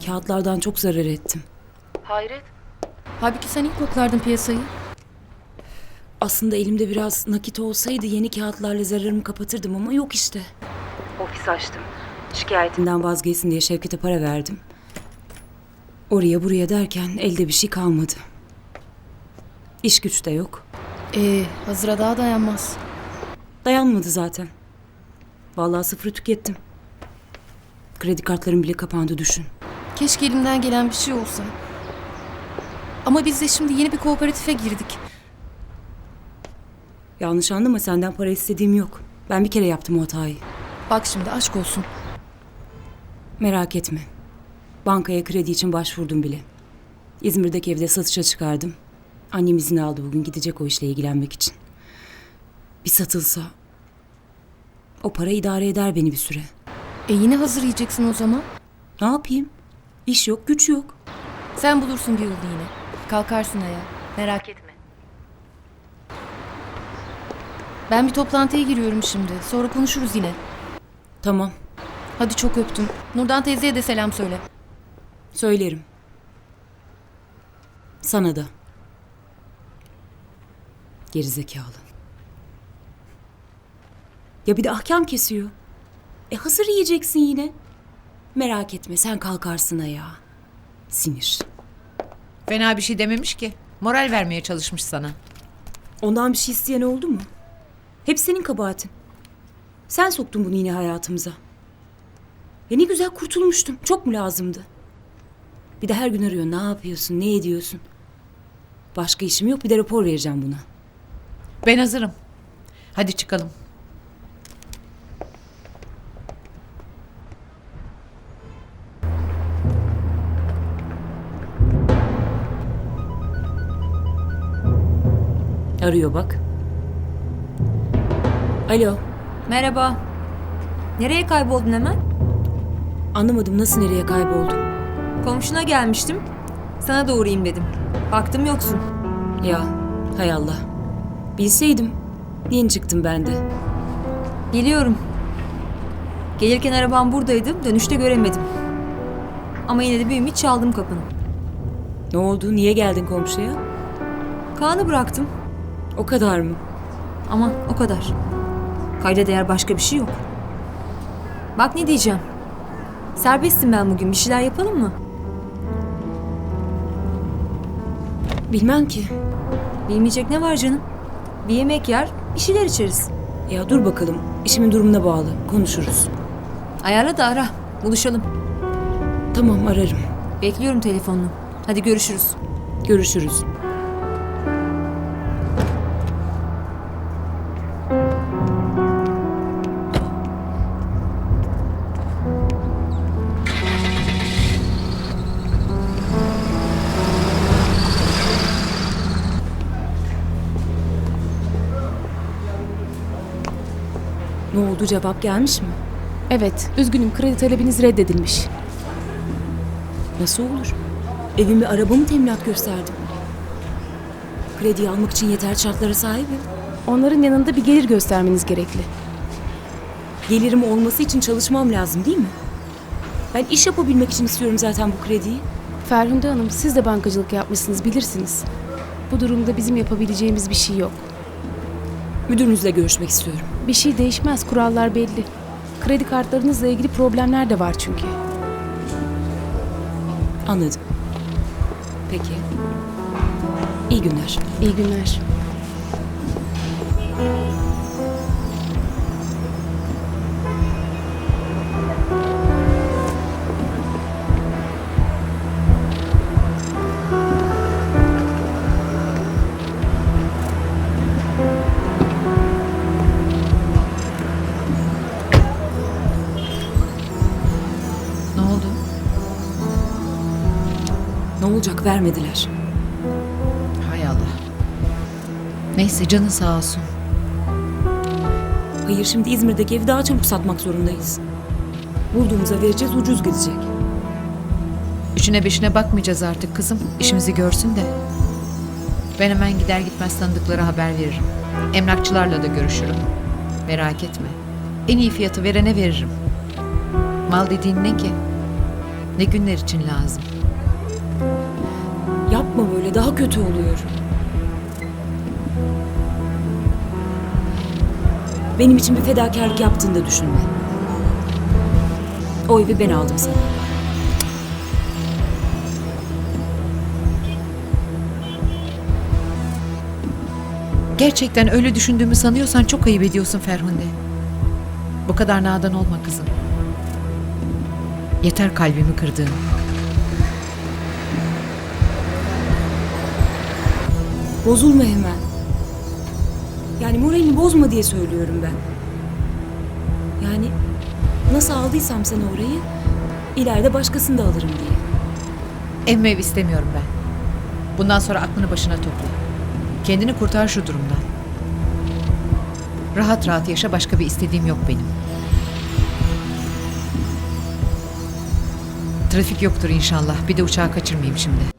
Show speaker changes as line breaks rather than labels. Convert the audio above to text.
Kağıtlardan çok zarar ettim.
Hayret. Halbuki sen ilk koklardın piyasayı.
Aslında elimde biraz nakit olsaydı yeni kağıtlarla zararımı kapatırdım ama yok işte. Ofis açtım. Şikayetimden vazgeçsin diye Şevket'e para verdim. Oraya buraya derken elde bir şey kalmadı. İş güç de yok.
Hazıra daha dayanmaz.
Dayanmadı zaten. Vallahi sıfırı tükettim. Kredi kartlarım bile kapandı düşün.
Keşke elimden gelen bir şey olsa. Ama biz de şimdi yeni bir kooperatife girdik.
Yanlış anlama, senden para istediğim yok. Ben bir kere yaptım o hatayı.
Bak şimdi aşk olsun.
Merak etme. Bankaya kredi için başvurdum bile. İzmir'deki evde satışa çıkardım. Annem izin aldı, bugün gidecek o işle ilgilenmek için. Bir satılsa o para idare eder beni bir süre.
Yine hazır yiyeceksin o zaman.
Ne yapayım? İş yok, güç yok.
Sen bulursun bir yolu yine. Kalkarsın ayağa. Merak etme. Ben bir toplantıya giriyorum şimdi. Sonra konuşuruz yine.
Tamam,
Hadi çok öptüm. Nurdan teyzeye de selam söyle.
söylerim. Sana da. Gerizekalı. Ya bir de ahkam kesiyor. Hazır yiyeceksin yine. Merak etme, sen kalkarsın ayağa. Sinir.
Fena bir şey dememiş ki. Moral vermeye çalışmış sana.
Ondan bir şey isteyen oldu mu? Hep senin kabahatin. Sen soktun bunu yine hayatımıza. Ya ne güzel kurtulmuştum. Çok mu lazımdı? Bir de her gün arıyor. Ne yapıyorsun? Ne ediyorsun? Başka işim yok. Bir de rapor vereceğim buna.
Ben hazırım. Hadi çıkalım.
Arıyor bak. Alo.
Merhaba. Nereye kayboldun hemen?
Anlamadım, nasıl nereye kayboldum?
Komşuna gelmiştim. Sana da uğrayayım dedim. Baktım yoksun.
Ya hay Allah. Bilseydim. Yeni çıktım ben de.
Biliyorum. Gelirken arabam buradaydı. Dönüşte göremedim. Ama yine de bir ümit çaldım kapını.
Ne oldu? Niye geldin komşuya?
Kaan'ı bıraktım.
O kadar mı?
Ama o kadar. Kayda değer başka bir şey yok. Bak ne diyeceğim. Serbestim ben bugün. Bir şeyler yapalım mı?
Bilmem ki.
Bilmeyecek ne var canım? Bir yemek yer, bir şeyler içeriz.
Ya dur bakalım. İşimin durumuna bağlı. Konuşuruz.
Ayarla da ara. Buluşalım.
Tamam, ararım.
Bekliyorum telefonunu. Hadi görüşürüz.
Görüşürüz. Ne oldu, cevap gelmiş mi?
Evet, üzgünüm, kredi talebiniz reddedilmiş.
Nasıl olur? Evimi, arabamı teminat gösterdim. Krediyi almak için yeterli şartlara sahibim.
Onların yanında bir gelir göstermeniz gerekli.
Gelirim olması için çalışmam lazım değil mi? Ben iş yapabilmek için istiyorum zaten bu krediyi.
Ferhunde Hanım, siz de bankacılık yapmışsınız, bilirsiniz. Bu durumda bizim yapabileceğimiz bir şey yok.
Müdürünüzle görüşmek istiyorum.
Bir şey değişmez, kurallar belli. Kredi kartlarınızla ilgili problemler de var çünkü.
Anladım. Peki. İyi günler.
İyi günler.
Ne oldu?
Ne olacak, vermediler.
Hay Allah. Neyse canın sağ olsun.
Hayır, şimdi İzmir'deki evi daha çabuk satmak zorundayız. Bulduğumuza vereceğiz, ucuz gidecek.
Üçüne beşine bakmayacağız artık kızım. İşimizi görsün de. Ben hemen gider gitmez tanıdıklara haber veririm. Emlakçılarla da görüşürüm. Merak etme. En iyi fiyatı verene veririm. Mal dediğin ne ki? Ne günler için lazım?
Yapma böyle, daha kötü oluyor. Benim için bir fedakarlık yaptığını da düşünme. O evi ben aldım sana.
Gerçekten öyle düşündüğümü sanıyorsan çok ayıp ediyorsun Ferhunde. Bu kadar nadan olma kızım. Yeter kalbimi kırdığın.
Bozulma hemen. Yani moralini bozma diye söylüyorum ben. Yani nasıl aldıysam sana orayı, ileride başkasını da alırım diye.
Ev istemiyorum ben. Bundan sonra aklını başına topla. Kendini kurtar şu durumdan. Rahat rahat yaşa, başka bir istediğim yok benim. Trafik yoktur inşallah. Bir de uçağı kaçırmayayım şimdi.